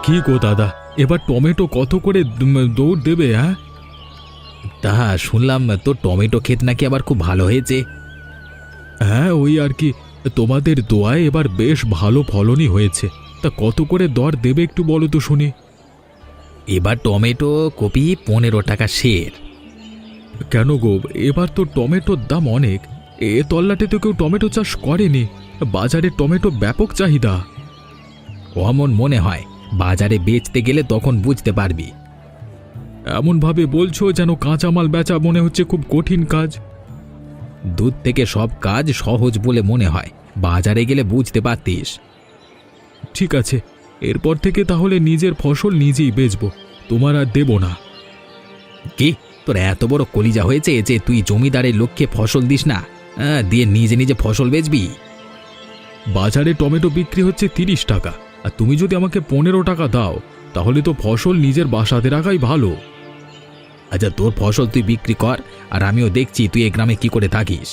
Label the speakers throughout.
Speaker 1: কি গো দাদা, এবার টমেটো কত করে দৌড় দেবে? হ্যাঁ,
Speaker 2: তা শুনলাম তোর টমেটো ক্ষেত নাকি আবার খুব ভালো হয়েছে।
Speaker 1: হ্যাঁ ওই আর কি, তোমাদের দোয়ায় এবার বেশ ভালো ফলনই হয়েছে। তা কত করে দর দেবে একটু বলো তো শুনি।
Speaker 2: এবার টমেটো কপি 15 টাকা সের।
Speaker 1: কেন গো, এবার তো টমেটোর দাম অনেক। এ তল্লাটে তো কেউ টমেটো চাষ করেনি। বাজারে টমেটো ব্যাপক চাহিদা।
Speaker 2: অমন মনে হয়, বাজারে বেচতে গেলে তখন বুঝতে পারবি।
Speaker 1: এমনভাবে বলছো যেন কাঁচামাল বেচা মনে হচ্ছে খুব কঠিন কাজ।
Speaker 2: দুধ থেকে সব কাজ সহজ বলে মনে হয়, বাজারে গেলে বুঝতে পারতিস।
Speaker 1: ঠিক আছে, এরপর থেকে তাহলে নিজের ফসল নিজেই বেচবো, তোমার আর দেব না।
Speaker 2: কি তোর এত বড় কলিজা হয়েছে যে তুই জমিদারের লোককে ফসল দিস না, দিয়ে নিজে নিজে ফসল বেচবি?
Speaker 1: বাজারে টমেটো বিক্রি হচ্ছে 30 টাকা, আর তুমি যদি আমাকে 15 টাকা দাও তাহলে তো ফসল নিজের বাসাতে রাখাই ভালো।
Speaker 2: আচ্ছা, তোর ফসল তুই বিক্রি কর, আর আমিও দেখছি তুই এই গ্রামে কি করে থাকিস।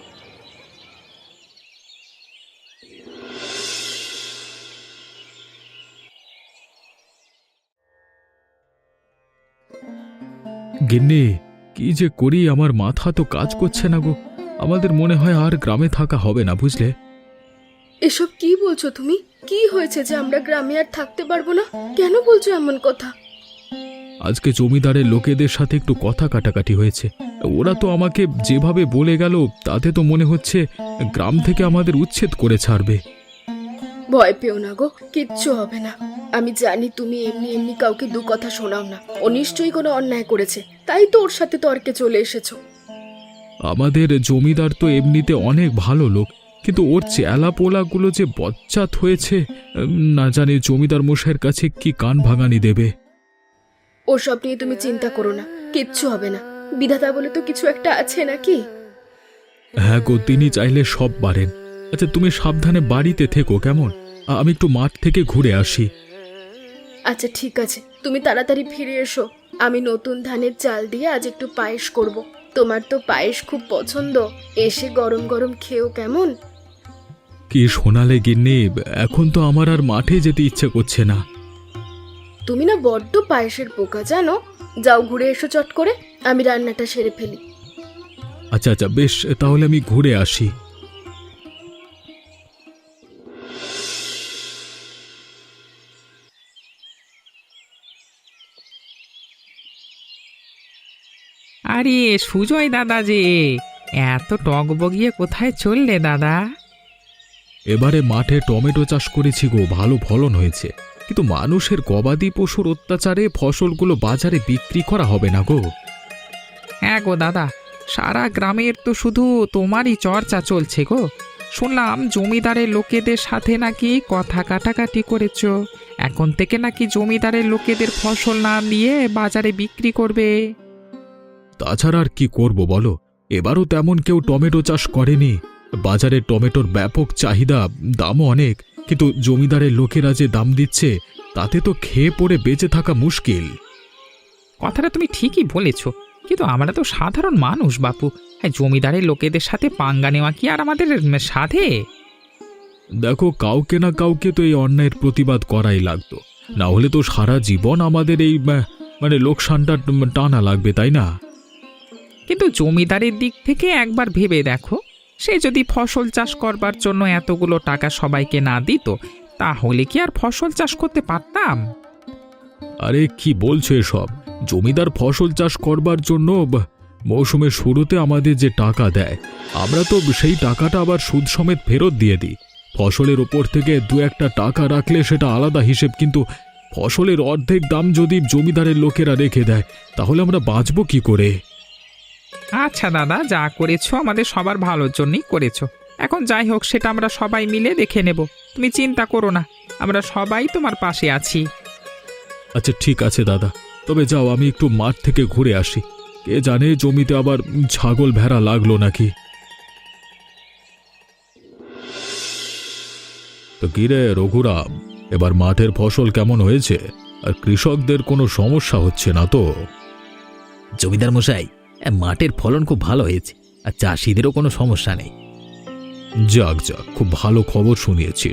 Speaker 1: গিন্নি, কি যে করি, আমার মাথা তো কাজ করছে না গো। আমাদের মনে হয় আর গ্রামে থাকা হবে না, বুঝলে?
Speaker 3: এসব কি বলছো তুমি? কি হয়েছে যে আমরা গ্রামে আর থাকতে পারবো না? কেন বলছো এমন কথা?
Speaker 1: আজকে জমিদারের লোকেদের সাথে একটু কথা কাটাকাটি হয়েছে। ওরা তো আমাকে যেভাবে বলে গেল তাতে তো মনে হচ্ছে গ্রাম থেকে আমাদের উচ্ছেদ করে ছাড়বে।
Speaker 3: ভয় পেও না গো, কিচ্ছু হবে না। আমি জানি তুমি এমনি এমনি কাউকে দু কথা শোনাও না। ও নিশ্চয়ই কোনো অন্যায় করেছে, তাই তো ওর সাথে তর্কে চলে এসেছো।
Speaker 1: আমাদের জমিদার তো এমনিতে অনেক ভালো লোক, কিন্তু ওর চেলা পোলাগুলো যে বজ্জাত হয়েছে, না জানি জমিদার মশাইয়ের কাছে কি কান ভাঙানি দেবে।
Speaker 3: ওসব নিয়ে তুমি চিন্তা করো না, কিচ্ছু হবে না। বিধাতা বলে তো কিছু একটা আছে নাকি?
Speaker 1: হ্যাঁ গো, তিনি চাইলে সব পারেন। আচ্ছা, তুমি সাবধানে বাড়িতে থেকো কেমন? আমি একটু মাঠ থেকে ঘুরে আসি।
Speaker 3: আচ্ছা ঠিক আছে, তুমি তাড়াতাড়ি ফিরে এসো। আমি নতুন ধানের চাল দিয়ে আজ একটু পায়েস করব। তোমার তো পায়েস খুব পছন্দ, এসে গরম গরম খেও কেমন?
Speaker 1: কি শোনালে গিন্নি, এখন তো আমার আর মাঠে যেতে ইচ্ছে করছে না।
Speaker 3: তুমি না বড্ড পায়েসের পোকা জানো। যাও ঘুরে এসো চট করে, আমি রান্নাটা সেরে ফেলি।
Speaker 1: আচ্ছা আচ্ছা বেশ, তাহলে আমি ঘুরে আসি।
Speaker 4: আরে সুজয় দাদা যে, এত টগবগিয়ে কোথায় চললে দাদা?
Speaker 1: এবারে মাঠে টমেটো চাষ করেছি গো, ভালো ফলন হয়েছে। কিন্তু মানুষের গবাদি পশুর অত্যাচারে ফসলগুলো বাজারে বিক্রি করা হবে না গো।
Speaker 4: হ্যাঁ গো দাদা, সারা গ্রামের তো শুধু তোমারই চর্চা চলছে গো। শুনলাম জমিদারের লোকেদের সাথে নাকি কথা কাটাকাটি করেছ, এখন থেকে নাকি জমিদারের লোকেদের ফসল না নিয়ে বাজারে বিক্রি করবে।
Speaker 1: তাছাড়া আর কি করব বলো, এবারও তেমন কেউ টমেটো চাষ করেনি। বাজারে টমেটোর ব্যাপক চাহিদা, দামও অনেক, কিন্তু জমিদারের লোকেরা যে দাম দিচ্ছে তাতে তো খেয়ে পড়ে বেঁচে থাকা মুশকিল।
Speaker 4: কথাটা তুমি ঠিকই বলেছ, কিন্তু আমরা তো সাধারণ মানুষ বাপু। হ্যাঁ, জমিদারের লোকেদের সাথে পাঙ্গা নেওয়া কি আর আমাদের সাধে?
Speaker 1: দেখো, কাউকে না কাউকে তো এই অন্যায়ের প্রতিবাদ করাই লাগতো, না হলে তো সারা জীবন আমাদের এই লোকসানটা টানা লাগবে, তাই না?
Speaker 4: কিন্তু জমিদারের দিক থেকে একবার ভেবে দেখো, সে যদি ফসল চাষ করবার জন্য এতগুলো টাকা সবাইকে না দিত, তাহলে কি আর ফসল চাষ করতে পারতাম?
Speaker 1: আরে কি বলছো এসব? জমিদার ফসল চাষ করবার জন্য মৌসুমের শুরুতে আমাদের যে টাকা দেয়, আমরা তো সেই টাকাটা আবার সুদ সমেত ফেরত দিয়ে দিই। ফসলের ওপর থেকে দু একটা টাকা রাখলে সেটা আলাদা হিসেব, কিন্তু ফসলের অর্ধেক দাম যদি জমিদারের লোকেরা রেখে দেয় তাহলে আমরা বাঁচবো কি করে?
Speaker 4: আচ্ছা দাদা, যা করেছো আমাদের সবার ভালোর জন্যই করেছো। এখন যাই হোক, সেটা আমরা সবাই মিলে দেখে নেব। তুমি চিন্তা করো না, আমরা সবাই তোমার পাশে আছি।
Speaker 1: আচ্ছা ঠিক আছে দাদা, তবে যাও, আমি একটু মাঠ থেকে ঘুরে আসি। কে জানে জমিতে আবার ছাগল ভেড়া লাগলো নাকি। তো কিরে রঘুরাম, এবার মাঠের ফসল কেমন হয়েছে? আর কৃষকদের কোনো সমস্যা হচ্ছে না তো?
Speaker 2: জমিদার মশাই, মাঠের ফলন খুব ভালো হয়েছে, আর চাষিদেরও কোনো সমস্যা নেই।
Speaker 1: যাক যাক, খুব ভালো খবর শুনিয়েছিস।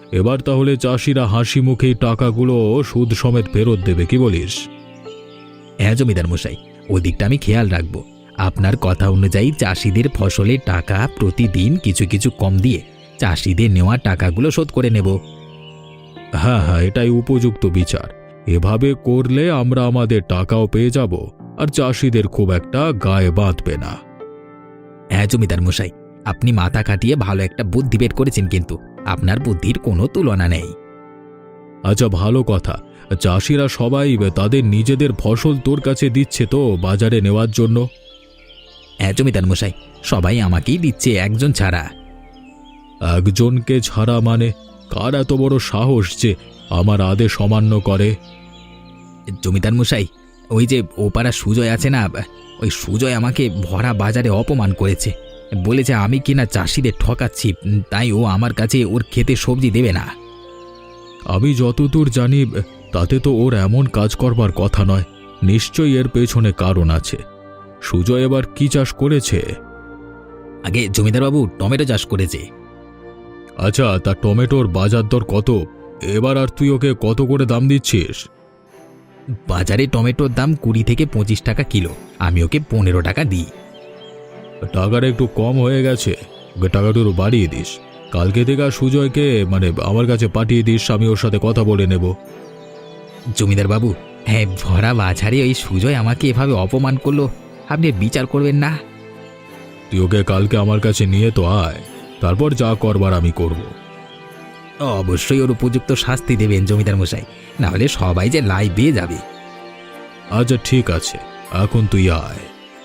Speaker 1: এবার তাহলে চাষিরা হাসি মুখেই টাকাগুলো সুদ সমেত ফেরত দেবে, কি বলিস?
Speaker 2: হ্যাঁ জমিদার মশাই, ওই দিকটা আমি খেয়াল রাখবো। আপনার কথা অনুযায়ী চাষিদের ফসলের টাকা প্রতিদিন কিছু কিছু কম দিয়ে চাষিদের নেওয়া টাকাগুলো শোধ করে নেব।
Speaker 1: হ্যাঁ হ্যাঁ, এটাই উপযুক্ত বিচার। এভাবে করলে আমরা আমাদের টাকাও পেয়ে যাব, আর চাষিদের খুব একটা গায়ে বাঁধবে না।
Speaker 2: হ্যাঁ জমিদার মশাই, আপনি মাথা খাটিয়ে ভালো একটা বুদ্ধি বের করেছেন, কিন্তু আপনার বুদ্ধির কোনো তুলনা নেই।
Speaker 1: আচ্ছা, ভালো কথা। চাষিরা সবাই তাদের নিজেদের ফসল তোর কাছে দিচ্ছে তো বাজারে নেওয়ার জন্য?
Speaker 2: হ্যাঁ জমিদার মশাই, সবাই আমাকেই দিচ্ছে, একজন ছাড়া।
Speaker 1: একজনকে ছাড়া মানে? কার এত বড় সাহস যে আমার আদেশ অমান্য করে?
Speaker 2: জমিদার মশাই, ওই যে ওপাড়া সুজয় আছে না, ওই সুজয় আমাকে ভরা বাজারে অপমান করেছে। বলেছে আমি কিনা চাষিদের ঠকাচ্ছি, তাই ও আমার কাছে ওর খেতে সবজি দেবে না।
Speaker 1: আমি যতদূর জানি তাতে তো ওর এমন কাজ করবার কথা নয়। নিশ্চয়ই এর পেছনে কারণ আছে। সুজয় এবার কি চাষ করেছে?
Speaker 2: আগে জমিদারবাবু টমেটো চাষ করেছে।
Speaker 1: আচ্ছা, তা টমেটোর বাজার দর কত? এবার আর তুই ওকে কত করে দাম দিচ্ছিস?
Speaker 2: বাজারে টমেটোর দাম 20 থেকে 25 টাকা কিলো, আমি ওকে 15 টাকা দিই।
Speaker 1: টাকাটা একটু কম হয়ে গেছে, ওকে টাকাটা একটু বাড়িয়ে দিস। কালকে থেকে আর সুজয়কে আমার কাছে পাঠিয়ে দিস, আমি ওর সাথে কথা বলে নেব।
Speaker 2: জমিদারবাবু, হ্যাঁ, ভরা বাজারে ওই সুজয় আমাকে এভাবে অপমান করলো, আপনি বিচার করবেন না?
Speaker 1: তুই ওকে কালকে আমার কাছে নিয়ে তো আয়, তারপর যা করবার আমি করব।
Speaker 2: অবশ্যই ওর উপযুক্ত শাস্তি দেবেন জমিদার মশাই, না হলে সবাই যে লাই বেয়ে যাবে।
Speaker 1: আচ্ছা ঠিক আছে, এখন তুই আয়।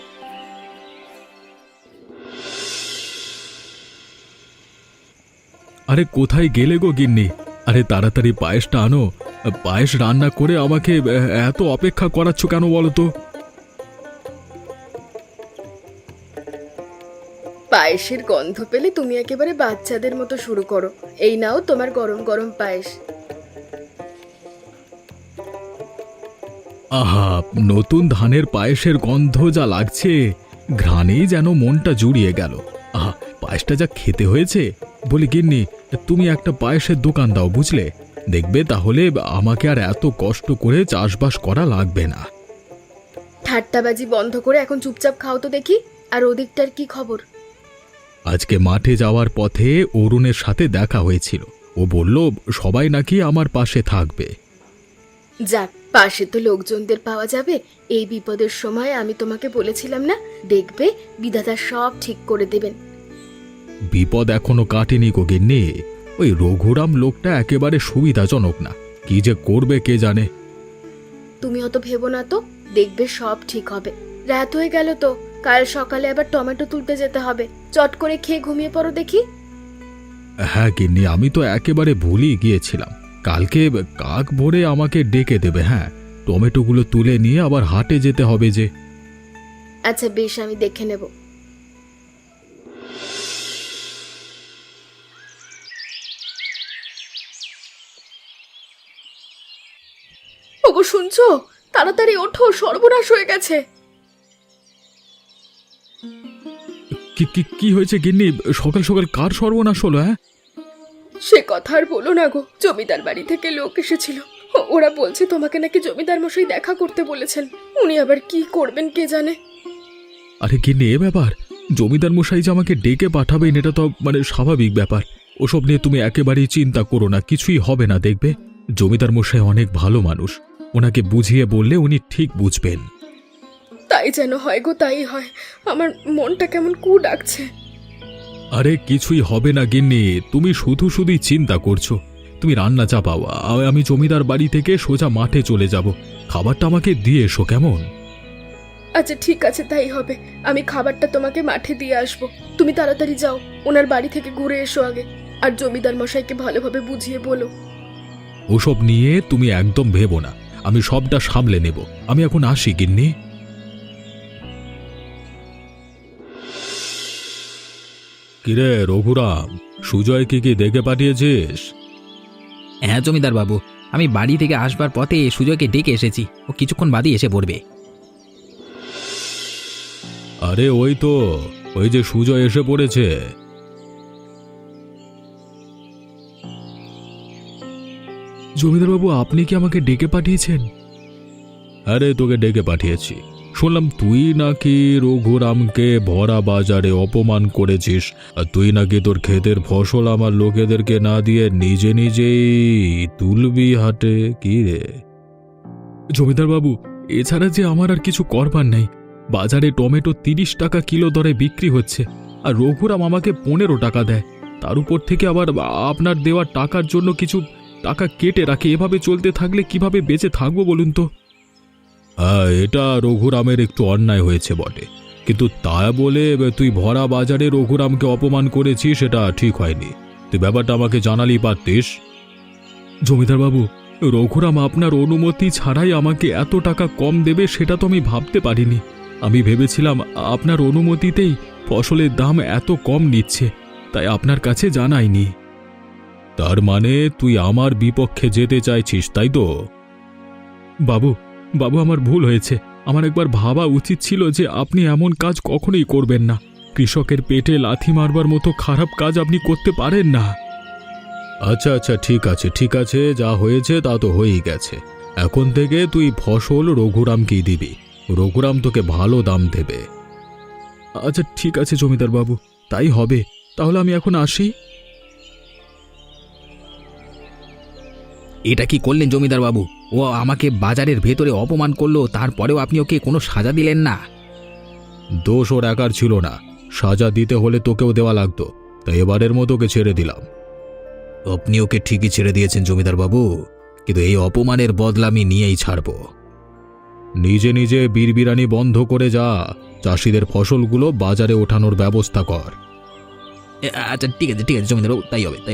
Speaker 1: আরে কোথায় গেলে গো গিন্নি? আরে তাড়াতাড়ি পায়েসটা আনো। পায়েস রান্না করে আমাকে এত অপেক্ষা করাচ্ছ কেন বলো তো?
Speaker 3: পায়েসের গন্ধ পেলে তুমি একেবারে বাচ্চাদের মতো শুরু করো। এই নাও তোমার গরম গরম পায়েস।
Speaker 1: আহা, নতুন ধানের পায়েসের গন্ধ যা লাগছে, ঘ্রাণেই যেন মনটা জুড়িয়ে গেল। আহা, পায়েসটা যা খেতে হয়েছে! বলি গিন্নি, তুমি একটা পায়েসের দোকান দাও, বুঝলে? দেখবে তাহলে আমাকে আর এত কষ্ট করে চাষবাস করা লাগবে না।
Speaker 3: ঠাট্টাবাজি বন্ধ করে এখন চুপচাপ খাও তো দেখি। আর ওদিকটার কি খবর?
Speaker 1: আজকে মাঠে যাওয়ার পথে অরুণের সাথে দেখা হয়েছিল। ও বলল সবাই নাকি আমার পাশে থাকবে।
Speaker 3: যাক, পাশে তো লোকজনদের পাওয়া যাবে। এই বিপদের সময় আমি তোমাকে বলেছিলাম না, দেখবে বিধাতা সব ঠিক করে দেবেন।
Speaker 1: বিপদ এখনো কাটেনি গো গিন্নি। ওই রঘুরাম লোকটা একেবারে সুবিধাজনক না, কি যে করবে কে জানে।
Speaker 3: তুমি অত ভেবো না তো, দেখবে সব ঠিক হবে। রাত হয়ে গেল তো, কাল সকালে আবার টমেটো তুলতে যেতে হবে। চট করে খেয়ে ঘুমিয়ে পড়ো দেখি।
Speaker 1: হ্যাঁ গিন্নি, আমি তো একেবারে ভুলেই গিয়েছিলাম। কালকে কাক ভোরে আমাকে ডেকে দেবে। হ্যাঁ, টমেটোগুলো তুলে নিয়ে আবার হাটে যেতে হবে যে।
Speaker 3: আচ্ছা বেশ, আমি দেখে নেব। ওগো শুনছো? তাড়াতাড়ি ওঠো, সর্বনাশ হয়ে গেছে।
Speaker 1: কি কি কি হয়েছে গিন্নি? সকাল সকাল কার সর্বনাশ হলো? হ্যাঁ,
Speaker 3: সে কথা আর বলো না গো, জমিদার বাড়ি থেকে লোক এসেছিল। ওরা বলছে তোমাকে নাকি জমিদার মশাই দেখা করতে বলেছেন। উনি আবার কি করবেন কে জানে।
Speaker 1: আরে গিন্নি, এ ব্যাপার! জমিদার মশাই যে আমাকে ডেকে পাঠাবেন এটা তো স্বাভাবিক ব্যাপার। ওসব নিয়ে তুমি একেবারেই চিন্তা করো না, কিছুই হবে না। দেখবে জমিদার মশাই অনেক ভালো মানুষ, ওনাকে বুঝিয়ে বললে উনি ঠিক বুঝবেন।
Speaker 3: তাই যেন হয় গো, তাই হয়। আমার মনটা কেমন কু ডাকছে।
Speaker 1: আরে কিছুই হবে না গিন্নি, তুমি শুধু শুধুই চিন্তা করছো। তুমি রান্না চাপাও, আমি জমিদার বাড়ি থেকে সোজা মাঠে চলে যাব। খাবারটা আমাকে দিয়ে এসো, কেমন?
Speaker 3: আচ্ছা ঠিক আছে, তাই হবে। আমি খাবারটা তোমাকে মাঠে দিয়ে আসবো। তুমি তাড়াতাড়ি যাও, ওনার বাড়ি থেকে ঘুরে এসো আগে। আর জমিদার মশাইকে ভালোভাবে বুঝিয়ে বলো।
Speaker 1: ওসব নিয়ে তুমি একদম ভেবো না, আমি সবটা সামলে নেব। আমি এখন আসি গিন্নি। কিরে রঘুরাম, সুজয় কি দেখে পাঠিয়েছিস?
Speaker 2: হ্যাঁ জমিদার বাবু, আমি বাড়ি থেকে আসবার পথে সুজয়কে ডেকে এসেছি, ও কিছুক্ষণ বাদই এসে পড়বে।
Speaker 1: আরে ওই তো, ওই যে সুজয় এসে পড়েছে। জমিদারবাবু, আপনি কি আমাকে ডেকে পাঠিয়েছেন? আরে তোকে ডেকে পাঠিয়েছি। শুনলাম তুই নাকি রঘুরামকে ভরা বাজারে অপমান করেছিস, আর তুই নাকি তোর ক্ষেতের ফসল আমার লোকেদেরকে না দিয়ে নিজে নিজেই তুলবি হাটে। কি রে জমিদারবাবু, এছাড়া যে আমার আর কিছু করবার নেই। বাজারে টমেটো 30 টাকা কিলো দরে বিক্রি হচ্ছে, আর রঘুরাম আমাকে 15 টাকা দেয়। তার উপর থেকে আবার আপনার দেওয়া টাকার জন্য কিছু টাকা কেটে রাখে। এভাবে চলতে থাকলে কিভাবে বেঁচে থাকবো বলুন তো? এটা রঘুরামের একটু অন্যায় হয়েছে বটে, কিন্তু তা বলে তুই ভরা বাজারে রঘুরামকে অপমান করেছিস, সেটা ঠিক হয়নি। তুই ব্যাপারটা আমাকে জানালি পারতিস। জমিদারবাবু, রঘুরাম আপনার অনুমতি ছাড়াই আমাকে এত টাকা কম দেবে সেটা তো আমি ভাবতে পারিনি। আমি ভেবেছিলাম আপনার অনুমতিতেই ফসলের দাম এত কম নিচ্ছে, তাই আপনার কাছে জানাইনি। তার মানে তুই আমার বিপক্ষে যেতে চাইছিস, তাই তো? বাবু, আমার ভুল হয়েছে। আমার একবার ভাবা উচিত ছিল যে আপনি এমন কাজ কখনোই করবেন না। কৃষকের পেটে লাথি মারবার মতো খারাপ কাজ আপনি করতে পারেন না। আচ্ছা আচ্ছা, ঠিক আছে, যা হয়েছে তা তো হয়েই গেছে। এখন থেকে তুই ফসল রঘুরামকেই দিবি। রঘুরাম তোকে ভালো দাম দেবে। আচ্ছা ঠিক আছে জমিদার বাবু, তাই হবে। তাহলে আমি এখন আসি।
Speaker 2: এটা কি করলেন জমিদার বাবু? ও আমাকে বাজারের ভেতরে অপমান করলো, তারপরেও আপনি ওকে কোনো সাজা দিলেন না।
Speaker 1: দোষ ওর একার ছিল না, সাজা দিতে হলে তোকেও দেওয়া লাগতো, তাই এবারের মতো ওকে ছেড়ে দিলাম।
Speaker 2: আপনি ওকে ঠিকই ছেড়ে দিয়েছেন জমিদার বাবু, কিন্তু এই অপমানের বদলা আমি নিয়েই ছাড়ব।
Speaker 1: নিজে নিজে বিড়বিড়ানি বন্ধ করে যা, চাষিদের ফসলগুলো বাজারে ওঠানোর ব্যবস্থা কর।
Speaker 2: আচ্ছা ঠিক আছে জমিদার বাবু, তাই হবে।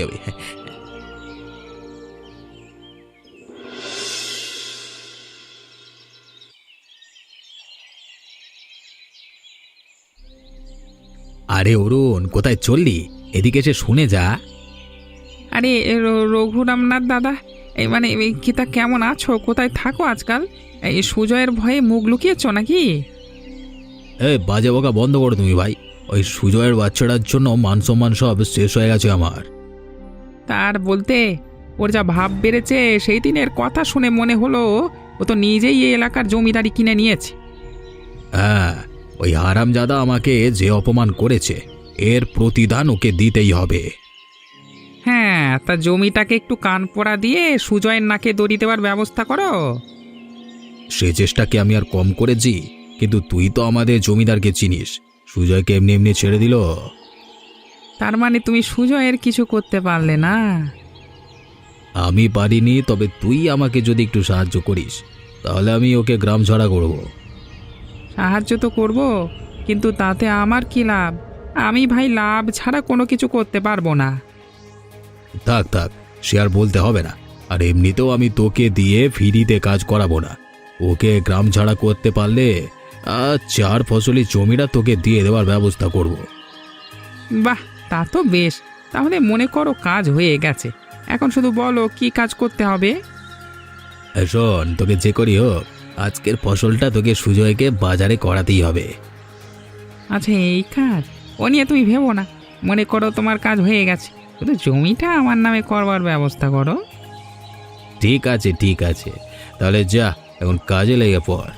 Speaker 2: আরে অরুণ, কোথায় চললি? এদিকে এসে শুনে যা।
Speaker 4: আরে রঘুরামনাথ দাদা, তা কেমন আছো? কোথায় থাকো আজকাল? এই সুজয়ের ভয়ে মুখ লুকিয়েছ নাকি?
Speaker 2: বাজে বকা বন্ধ করো তুমি ভাই। ওই সুজয়ের বাচ্চাটার জন্য মান সম্মান সব শেষ হয়ে গেছে আমার।
Speaker 4: তার বলতে ওর যা ভাব বেড়েছে, সেই দিনের কথা শুনে মনে হলো ও তো নিজেই এই এলাকার জমিদারি কিনে নিয়েছে।
Speaker 2: হ্যাঁ, ওই হারামজাদা আমাকে যে অপমান করেছে, এর প্রতিদান ওকে দিতেই হবে।
Speaker 4: হ্যাঁ, তা জমিটাকে একটু কান পোড়া দিয়ে সুজয়ের নাকে দড়ি দেওয়ার ব্যবস্থা করো।
Speaker 2: সে চেষ্টাকে আমি আর কম করেছি, কিন্তু তুই তো আমাদের জমিদারকে চিনিস। সুজয়কে এমনি এমনি ছেড়ে দিল।
Speaker 4: তার মানে তুমি সুজয়ের কিছু করতে পারলে না?
Speaker 2: আমি পারিনি, তবে তুই আমাকে যদি একটু সাহায্য করিস, তাহলে আমি ওকে গ্রাম ছাড়া করব।
Speaker 4: সাহায্য তো করব, কিন্তু তাতে আমার কি লাভ? আমি ভাই লাভ ছাড়া কোনো কিছু করতে পারবো না।
Speaker 2: থাক, সে আর বলতে হবে না। আর এমনিতেও আমি তোকে দিয়ে ফ্রিতে কাজ করাবো না। ওকে গ্রাম ছাড়া করতে পারলে 4 ফসলি জমিটা তোকে দিয়ে দেওয়ার ব্যবস্থা করব।
Speaker 4: বাহ, তা তো বেশ। তাহলে মনে করো কাজ হয়ে গেছে। এখন শুধু বলো কি কাজ করতে হবে।
Speaker 2: শোন, তোকে যে করি হোক, আজকের ফসলটা তোকে সুজয়কে বাজারে করাতেই হবে।
Speaker 4: আচ্ছা, এই কাজ ও নিয়ে তুমি ভেবো না। মনে করো তোমার কাজ হয়ে গেছে, শুধু জমিটা আমার নামে করবার ব্যবস্থা করো।
Speaker 2: ঠিক আছে, তাহলে যা, এখন কাজে লেগে পড়।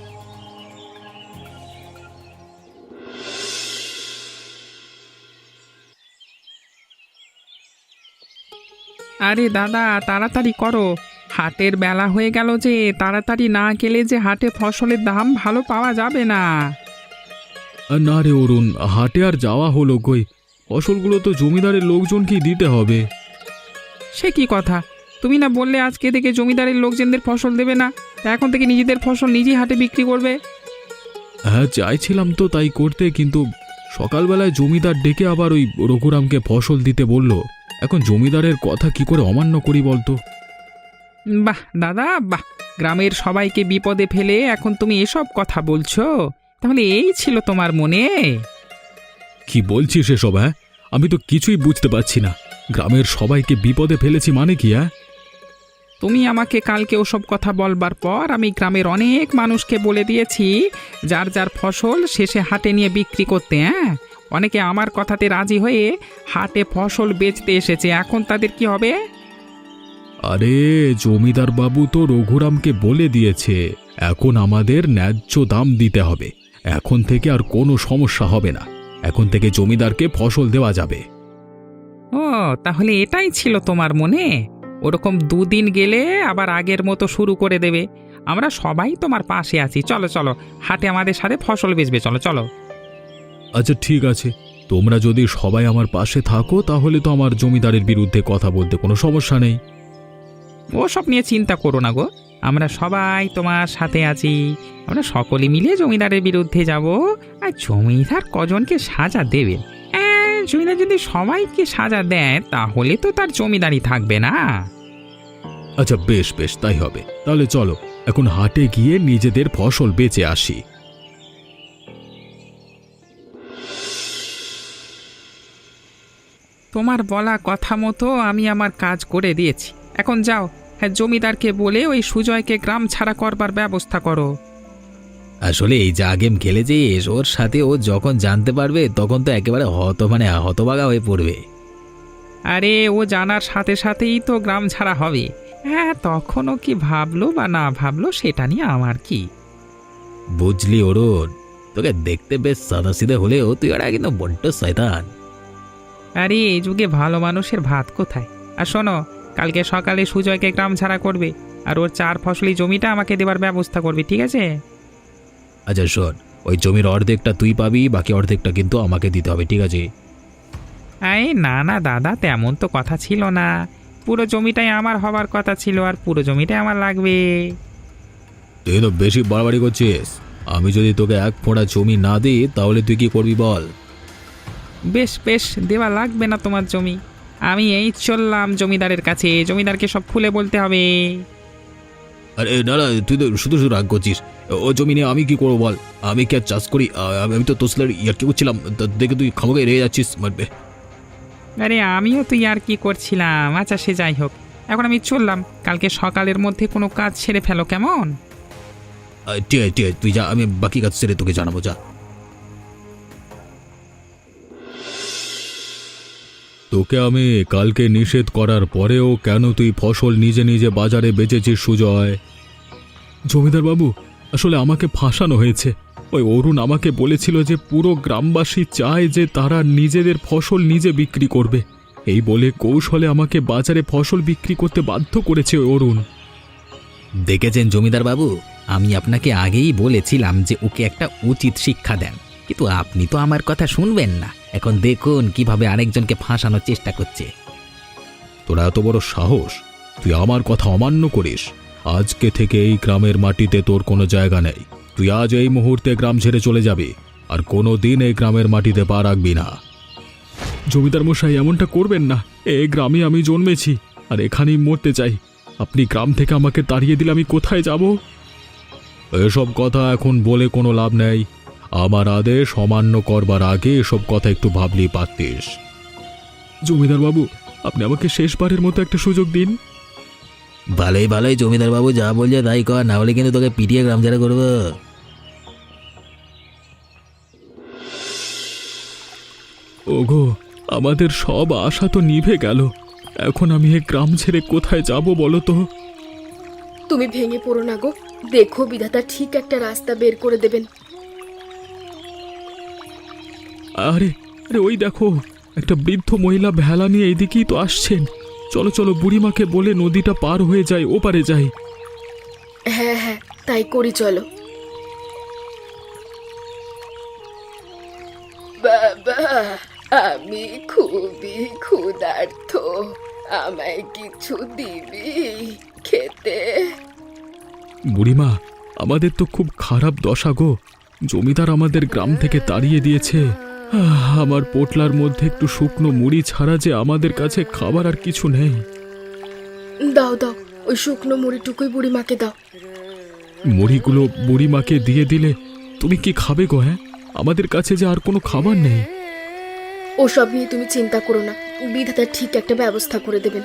Speaker 4: আরে দাদা, তাড়াতাড়ি করো, হাটের বেলা হয়ে গেল যে। তাড়াতাড়ি না গেলে যে হাটে ফসলের দাম ভালো পাওয়া যাবে না।
Speaker 1: না রে অরুণ, হাটে আর যাওয়া হলো কই? ফসলগুলো তো জমিদারের লোকজনকেই দিতে হবে।
Speaker 4: সে কি কথা? তুমি না বললে আজকে থেকে জমিদারের লোকজনদের ফসল দেবে না? তা এখন থেকে নিজেদের ফসল নিজেই হাটে বিক্রি করবে?
Speaker 1: হ্যাঁ, চাইছিলাম তো তাই করতে, কিন্তু সকালবেলায় জমিদার ডেকে আবার ওই রঘুরামকে ফসল দিতে বলল। এখন জমিদারের কথা কি করে অমান্য করি বলতো?
Speaker 4: বাহ দাদা বাহ, গ্রামের সবাইকে বিপদে ফেলে এখন তুমি এসব কথা বলছো? তাহলে এই ছিল তোমার মনে?
Speaker 1: কি বলছিস এসব? হ্যাঁ, আমি তো কিছুই বুঝতে পারছি না। গ্রামের সবাইকে বিপদে ফেলেছি মানে কি? হ্যাঁ,
Speaker 4: তুমি আমাকে কালকে ওসব কথা বলবার পর আমি গ্রামের অনেক মানুষকে বলে দিয়েছি যার যার ফসল শেষে হাটে নিয়ে বিক্রি করতে। অনেকে আমার কথাতে রাজি হয়ে হাটে ফসল বেচতে এসেছে। এখন তাদের কি হবে?
Speaker 1: আরে জমিদার বাবু তো রঘুরামকে বলে দিয়েছে এখন আমাদের ন্যায্য দাম দিতে হবে। এখন থেকে আর কোনো সমস্যা হবে না। এখন থেকে জমিদারকে ফসল দেওয়া যাবে।
Speaker 4: ও তাহলে এটাই ছিল তোমার মনে? ওরকম দুদিন গেলে আবার আগের মতো শুরু করে দেবে। আমরা সবাই তোমার পাশে আছি, চলো চলো হাটে আমাদের সাথে ফসল বেচবে, চলো চলো।
Speaker 1: আচ্ছা ঠিক আছে, তোমরা যদি সবাই আমার পাশে থাকো তাহলে তো আমার জমিদারের বিরুদ্ধে কথা বলতে কোনো সমস্যা নেই।
Speaker 4: ওসব নিয়ে চিন্তা করো না গো, আমরা সবাই তোমার সাথে আছি। আমরা সকলে মিলে জমিদারের বিরুদ্ধে যাব। আর জমিদার কজনকে সাজা দেবে? জমিদার যদি সবাইকে সাজা দেয় তাহলে তো তার জমিদারি থাকবে না।
Speaker 1: আচ্ছা বেশ বেশ, তাই হবে। তাহলে চলো এখন হাটে গিয়ে নিজেদের ফসল বেচে আসি।
Speaker 4: তোমার বলা কথা মতো আমি আমার কাজ করে দিয়েছি। এখন যাও, হ্যাঁ জমিদারকে বলে ওই সুজয়কে গ্রাম ছাড়া করবার ব্যবস্থা করো।
Speaker 2: আসলে এই যা গেম খেলেছিস ওর সাথে, ও যখন জানতে পারবে তখন তো একেবারে হতবাগা হয়ে পড়বে।
Speaker 4: আরে ও জানার সাথে সাথেই তো গ্রাম ছাড়া হবে। হ্যাঁ তখনও কি ভাবলো বা না ভাবলো সেটা নিয়ে আমার কি।
Speaker 2: বুঝলি অরুণ, তোকে দেখতে বেশ সাদাসিধে হলেও তুই ওরা কিন্তু বড্ড শয়তান।
Speaker 4: আরে এই যুগে ভালো মানুষের ভাত কোথায়? আর শোনো, কালকে সকালে সুজয়কে গ্রাম ছাড়া করবে আর ওর 4 ফসলি জমিটা আমাকে দেবার ব্যবস্থা করবে, ঠিক আছে?
Speaker 2: আচ্ছা শোন, ওই জমির অর্ধেকটা তুই পাবি, বাকি অর্ধেকটা কিন্তু আমাকে দিতে হবে, ঠিক আছে?
Speaker 4: এই না না দাদা, তেমন তো কথা ছিল না। পুরো জমিটাই আমার হবার কথা ছিল আর পুরো জমিটাই আমার লাগবে।
Speaker 1: তুই তো বেশি বাড়াবাড়ি করছিস। আমি যদি তোকে এক ফোঁটা জমি না দিই তাহলে তুই কি করবি বল?
Speaker 4: বেশ বেশ, দেওয়া লাগবে না তোমার জমি। আমি এই চললাম জমিদারের কাছে, জমিদারকে সব খুলে বলতে হবে।
Speaker 1: আরে না না, তুই তো শুধু শুধু রাগ করছিস। ও জমি নিয়ে আমি কি করবো বল? আমি কি আর চাষ করি? আমি তো তোর সাথে ইয়ার্কি করছিলাম, দেখে তুই খামোকে রেগে যাচ্ছিস মারবে।
Speaker 4: আরে আমিও তো আর কি করছিলাম। আচ্ছা সে যাই হোক, এখন আমি চললাম। কালকে সকালের মধ্যে কোনো কাজ সেরে ফেলো, কেমন?
Speaker 1: ঠিক আছে ঠিক আছে, তুই যা, আমি বাকি কাজ সেরে তোকে জানাবো, যা। তোকে আমি কালকে নিষেধ করার পরেও কেন তুই ফসল নিজে নিজে বাজারে বেচেছিস সুজয়? জমিদার বাবু, আসলে আমাকে ফাঁসানো হয়েছে। ওই অরুণ আমাকে বলেছিল যে পুরো গ্রামবাসী চায় যে তারা নিজেদের ফসল নিজে বিক্রি করবে। এই বলে কৌশলে আমাকে বাজারে ফসল বিক্রি করতে বাধ্য করেছে ওই অরুণ।
Speaker 2: দেখেছেন জমিদার বাবু, আমি আপনাকে আগেই বলেছিলাম যে ওকে একটা উচিত শিক্ষা দেন, কিন্তু আপনি তো আমার কথা শুনবেন না। এখন দেখুন কিভাবে আরেকজনকে ফাঁসানোর চেষ্টা করছে।
Speaker 1: তোরা এত বড় সাহস, তুই আমার কথা অমান্য করিস? আজকে থেকে এই গ্রামের মাটিতে তোর কোনো জায়গা নেই। তুই আজ এই মুহূর্তে গ্রাম ছেড়ে চলে যাবি, আর কোনো দিন এই গ্রামের মাটিতে পা রাখবি না। জমিদার মশাই, এমনটা করবেন না। এই গ্রামে আমি জন্মেছি আর এখানেই মরতে চাই। আপনি গ্রাম থেকে আমাকে তাড়িয়ে দিলে আমি কোথায় যাব? এসব কথা এখন বলে কোনো লাভ নেই। আমার আদেশ অমান্য করবার আগে এসব কথা একটু ভাবলেই পারতিস। জমিদার বাবু, আপনি আমাকে শেষবারের মতো একটা সুযোগ দিন।
Speaker 2: ভালোই ভালোই জমিদার বাবু যা বলছে তাই কর, না হলে কিন্তু তোকে পিটিয়ে গ্রাম ছাড়া করবো।
Speaker 1: ওগো, আমাদের সব আশা তো নিভে গেল। এখন আমি এই গ্রাম ছেড়ে কোথায় যাব বলো তো?
Speaker 3: তুমি ভেঙে পড়ো না গো, দেখো বিধাতা ঠিক একটা রাস্তা বের করে দেবেন।
Speaker 1: আরে আরে, ওই দেখো, একটা বৃদ্ধ মহিলা ভেলা নিয়ে এইদিকেই তো আসছেন। চলো চলো, বুড়িমাকে বলে নদীটা পার হয়ে যায়, ওপারে যাই।
Speaker 3: হ্যাঁ হ্যাঁ, তাই করি, চলো। বাবা, আমি খুবই ক্ষুধার্ত, আমায় কিছু দিবি খেতে?
Speaker 1: বুড়িমা, আমাদের তো খুব খারাপ দশা গো। জমিদার আমাদের গ্রাম থেকে তাড়িয়ে দিয়েছে। আমার পোটলার মধ্যে একটু শুকনো মুড়ি ছাড়া যে আমাদের কাছে খাবার আর কিছু নেই।
Speaker 3: দাও দাও, ওই শুকনো মুড়িটুকুই বুড়িমাকে দাও।
Speaker 1: মুড়িগুলো বুড়িমাকে দিয়ে দিলে তুমি কি খাবে গো? হ্যাঁ, আমাদের কাছে যে আর কোনো খাবার নেই।
Speaker 3: ওসব নিয়ে তুমি চিন্তা করো না, বিধাতা ঠিক একটা ব্যবস্থা করে দেবেন।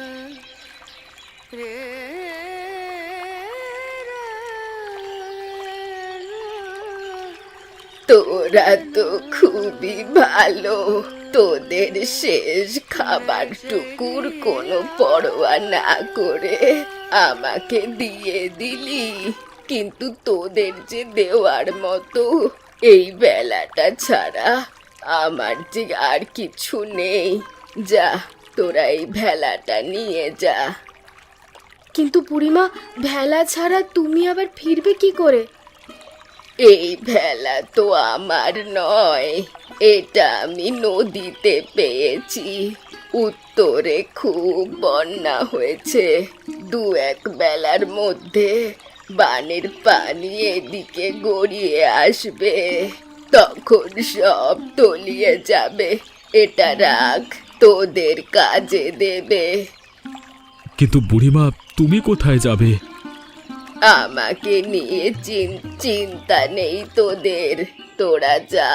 Speaker 3: তোরা তো খুবই ভালো, তোদের শেষ খাবারটুকুর কোনো পরোয়া না করে আমাকে দিয়ে দিলি, কিন্তু তোদের যে দেওয়ার মতো এই বেলাটা ছাড়া আমার যে আর কিছু নেই। যা, তোরা এই ভেলাটা নিয়ে যা। কিন্তু বুড়িমা, ভেলা ছাড়া তুমি আবার ফিরবে কি করে? এই ভেলা তো আমার নয়, এটা আমি নদীতে পেয়েছি। উত্তরে খুব বন্যা হয়েছে, 2-1 বেলার মধ্যে বানের পানি এদিকে গড়িয়ে আসবে, তখন সব তলিয়ে যাবে। এটা রাখ, তোদের কাজে দেবে।
Speaker 1: কিন্তু বুড়িমা, তুমি কোথায় যাবে?
Speaker 3: আমাকে নিয়ে চিন্তা নেই তোদের, তোরা যা।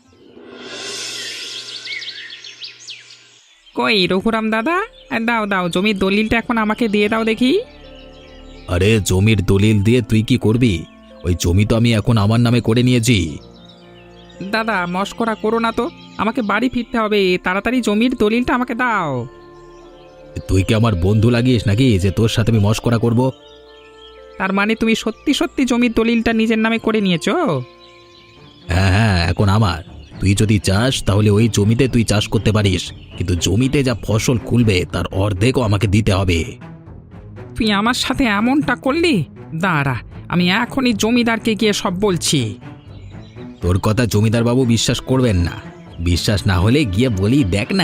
Speaker 4: কই রঘুরাম দাদা, দাও দাও জমির দলিলটা এখন আমাকে দিয়ে দাও দেখি।
Speaker 2: আরে জমির দলিল দিয়ে তুই কি করবি? ওই জমি তো আমি এখন আমার নামে করে নিয়েছি।
Speaker 4: দাদা মস্করা করো না তো, আমাকে বাড়ি ফিরতে হবে, তাড়াতাড়ি জমির দলিলটা আমাকে দাও।
Speaker 2: তুই কি আমার বন্ধু লাগিস নাকি যে তোর সাথে আমি মস্করা করব?
Speaker 4: তার মানে তুমি সত্যি সত্যি জমির দলিলটা নিজের নামে করে নিয়েছো?
Speaker 2: হ্যাঁ হ্যাঁ, এখন আমার। তুই যদি চাস তাহলে ওই জমিতে তুই চাষ করতে পারিস, কিন্তু জমিতে যা ফসল খুলবে তার অর্ধেকও আমাকে দিতে হবে।
Speaker 4: তুই আমার সাথে এমনটা করলি? দাঁড়া, আমি এখনই জমিদারকে গিয়ে সব বলছি।
Speaker 2: তোর কথা জমিদার বাবু বিশ্বাস করবেন না, বিশ্বাস না হলে গিয়ে বলি দেখ না।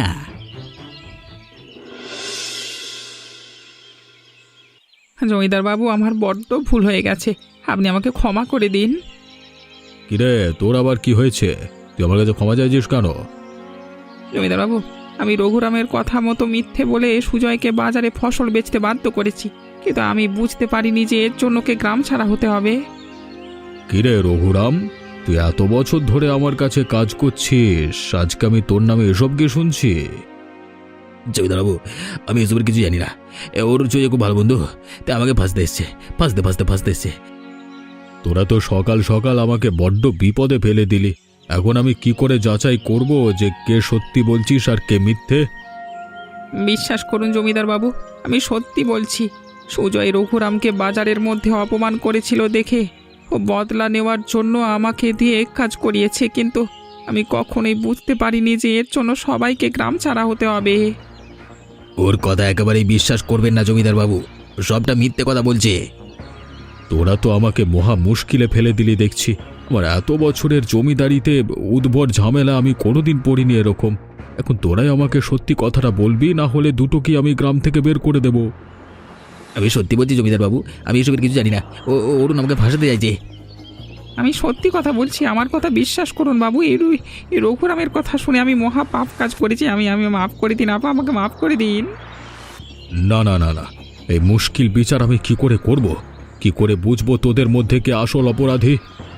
Speaker 4: জমিদার বাবু, আমার বড্ড ভুল হয়ে গেছে, আপনি আমাকে ক্ষমা করে দিন।
Speaker 1: কিরে, তোর আবার কি হয়েছে? তুই আমার কাছে ক্ষমা চাইছিস কেন?
Speaker 4: জমিদার বাবু, আমি রঘুরামের কথা মতো মিথ্যে বলে সুজয়কে বাজারে ফসল বেচতে বাধ্য করেছি, কিন্তু আমি বুঝতে পারিনি যে এর জন্য ওকে গ্রাম ছাড়া হতে হবে।
Speaker 1: কিরে রঘুরাম, তুই এত বছর ধরে আমার কাছে কাজ করছিস, আজকে আমি তোর নামে এসব কি শুনছি?
Speaker 2: জমিদার বাবু, আমি এসবের কিছু জানি না। ওর চুয়ে খুব ভালো বন্ধু, তাই আমাকে ফাঁসতে এসছে, ফাঁসতে এসছে।
Speaker 1: তোরা তো সকাল সকাল আমাকে বড্ড বিপদে ফেলে দিলি। এখন আমি কি করে যাচাই করব যে কে সত্যি বলছিস আর কে মিথ্যে?
Speaker 4: বিশ্বাস করুন জমিদার বাবু, আমি সত্যি বলছি। সুজয় রঘুরামকে বাজারের মধ্যে অপমান করেছিল দেখে ও বদলা নেওয়ার জন্য আমাকে দিয়ে কাজ করিয়েছে, কিন্তু আমি কখনোই বুঝতে পারিনি যে এর জন্য সবাইকে গ্রাম ছাড়া হতে হবে।
Speaker 2: ওর কথা একেবারেই বিশ্বাস করবেন না জমিদার বাবু, সবটা মিথ্যে কথা বলছে।
Speaker 1: তোরা তো আমাকে মহা মুশকিলে ফেলে দিলি দেখছি। আমার এত বছরের জমিদারিতে উদ্ভট ঝামেলা আমি কোনোদিন পড়িনি এরকম। এখন তোরাই আমাকে সত্যি কথাটা বলবি, না হলে দুটো কি আমি গ্রাম থেকে বের করে দেব।
Speaker 2: আমি সত্যি বলছি জমিদার বাবু, আমি এসবের কিছু জানি না। অরুণ আমাকে ফাঁসাতে চাইছে।
Speaker 4: আমি সত্যি কথা বলছি, আমার কথা বিশ্বাস করুন বাবু। এই রঘুরামের কথা শুনে আমি মহা পাপ কাজ করেছি, আমি মাফ করে দিন আপা, আমাকে মাফ করে দিন।
Speaker 1: না না না না, এই মুশকিল বিচার আমি কি করে করব? কি করে বুঝবো তোদের মধ্যে কে আসল অপরাধী?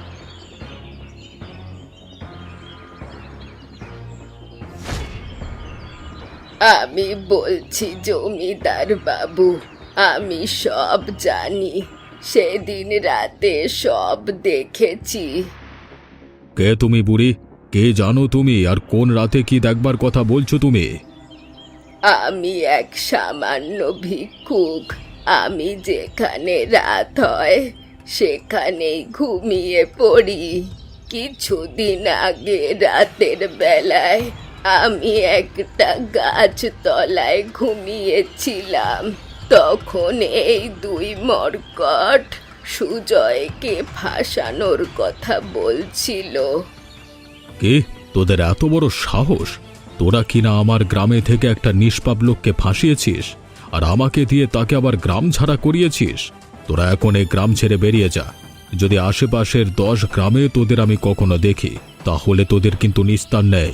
Speaker 3: আমি বলছি জমিদার বাবু, আমি সব জানি, সেদিন রাতে সব দেখেছি।
Speaker 1: কে তুমি বুড়ি? কে জানো তুমি? আর কোন রাতে কি দেখবার কথা বলছো তুমি?
Speaker 3: আমি এক সামান্য ভিক্ষুক। আমি যেখানে রাত হয় সেখানেই ঘুমিয়ে পড়ি। কিছুদিন আগে রাতের বেলায় আমি একটা গাছ তলায় ঘুমিয়েছিলাম। তখন এই 2 মর্কট সুজয়কে ফাঁসানোর কথা বলছিল।
Speaker 1: কে? তোদের এত বড় সাহস? তোরা কিনা আমার গ্রামে থেকে একটা নিষ্পাপ লোককে ফাঁসিয়েছিস, আর আমাকে দিয়ে তাকে আবার গ্রাম ছাড়া করিয়েছিস। তোরা এখন এই গ্রাম ছেড়ে বেরিয়ে যা। যদি আশেপাশের 10 গ্রামে তোদের আমি কখনো দেখি, তাহলে তোদের কিন্তু নিস্তার নেই।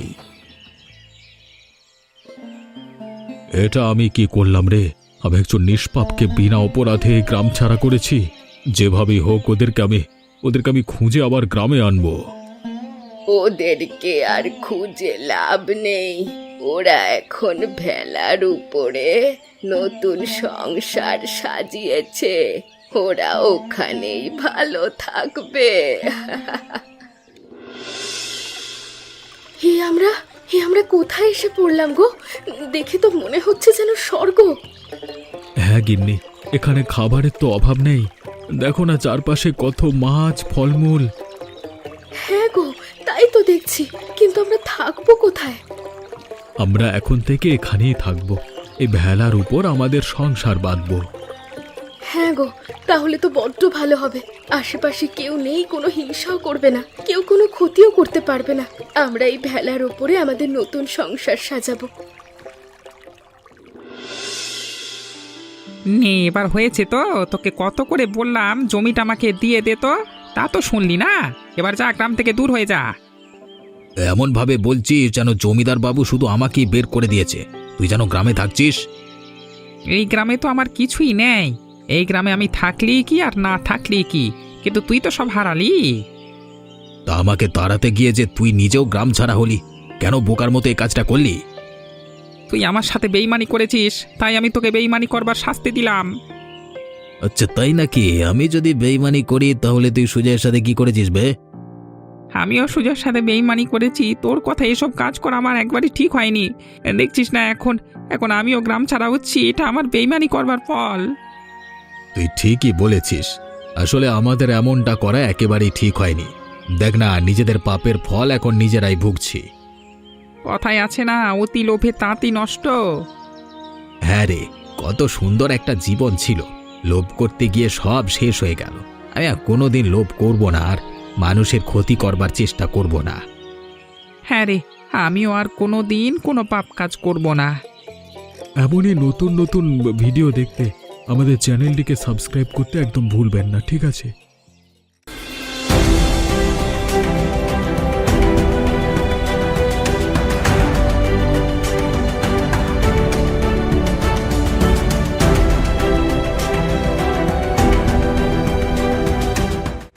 Speaker 1: এটা আমি কি করলাম রে? আমি একজন নিষ্পাপকে বিনা অপরাধে গ্রাম ছাড়া করেছি। যেভাবেই হোক ওদেরকে আমি খুঁজে আবার গ্রামে আনবো।
Speaker 3: ওদেরকে আর খুঁজে লাভ নেই। ওরা এখন ভেলার উপরে নতুন সংসার সাজিয়েছে, ওরা ওখানেই ভালো থাকবে। আমরা কোথায় এসে পড়লাম গো? দেখে তো মনে হচ্ছে যেন স্বর্গ।
Speaker 1: হ্যাঁ গিন্নি, এখানে খাবারের তো অভাব নেই। দেখো না চারপাশে কত মাছ, ফলমূল।
Speaker 3: হ্যাঁ গো, তাই তো দেখছি, কিন্তু আমরা থাকবো কোথায়?
Speaker 1: আমরা এখন থেকে এখানেই থাকবো। এই ভেলার উপর আমাদের সংসার বাঁধবো।
Speaker 3: হ্যাঁ গো, তাহলে তো বড্ড ভালো হবে। আশেপাশে কেউ নেই, কোনো হিংসাও করবে না, কেউ কোনো ক্ষতিও করতে পারবে না। আমরা এই ভেলার উপরে আমাদের নতুন সংসার সাজাবো।
Speaker 4: নে এবার হয়েছে তো, তোকে কত করে বললাম জমিটা আমাকে দিয়ে দে, তো তা তো শুনলি না। এবার যা, গ্রাম থেকে দূর হয়ে যা।
Speaker 2: এমন ভাবে বলছিস যেন জমিদার বাবু শুধু আমাকেই বের করে দিয়েছে। তুই যেন গ্রামে থাকছিস।
Speaker 4: এই গ্রামে তো আমার কিছুই নেই। এই গ্রামে আমি থাকলি কি আর না থাকলি কি, কিন্তু তুই তো সব হারালি।
Speaker 2: তা আমাকে তাড়াতে গিয়ে যে তুই নিজেও গ্রাম ছাড়া হলি, কেন বোকার মতো এই কাজটা করলি?
Speaker 4: তুই আমার সাথে বেইমানি করেছিস, তাই আমি তোকে বেইমানি করবার শাস্তি দিলাম।
Speaker 2: আচ্ছা তাই নাকি? আমি যদি বেইমানি করি তাহলে তুই সুজয়ের সাথে কি করেছিস বে?
Speaker 4: আমিও সুজয়ের সাথে বেইমানি করেছি। তোর কথা এসব কাজ করা আমার একবারই ঠিক হয়নি। দেখছিস না এখন এখন আমিও গ্রাম ছাড়া হচ্ছি, এটা আমার বেইমানি করবার ফল।
Speaker 1: তুই ঠিকই বলেছিস। আসলে আমাদের এমনটা করা একেবারেই ঠিক হয়নি। দেখ না, নিজেদের পাপের ফল এখন নিজেরাই ভুগছি।
Speaker 4: কথায় আছে না, অতি লোভে তাঁতি নষ্ট।
Speaker 2: হ্যাঁ রে, কত সুন্দর একটা জীবন ছিল, লোভ করতে গিয়ে সব শেষ হয়ে গেল। আমি আর কোনোদিন লোভ করব না, আর মানুষের ক্ষতি করবার চেষ্টা করব না।
Speaker 4: হ্যাঁ রে, আমিও আর কোনো দিন কোনো পাপ কাজ করব না।
Speaker 1: এমনই নতুন নতুন ভিডিও দেখতে আমাদের চ্যানেলটিকে সাবস্ক্রাইব করতে একদম ভুলবেন না, ঠিক আছে?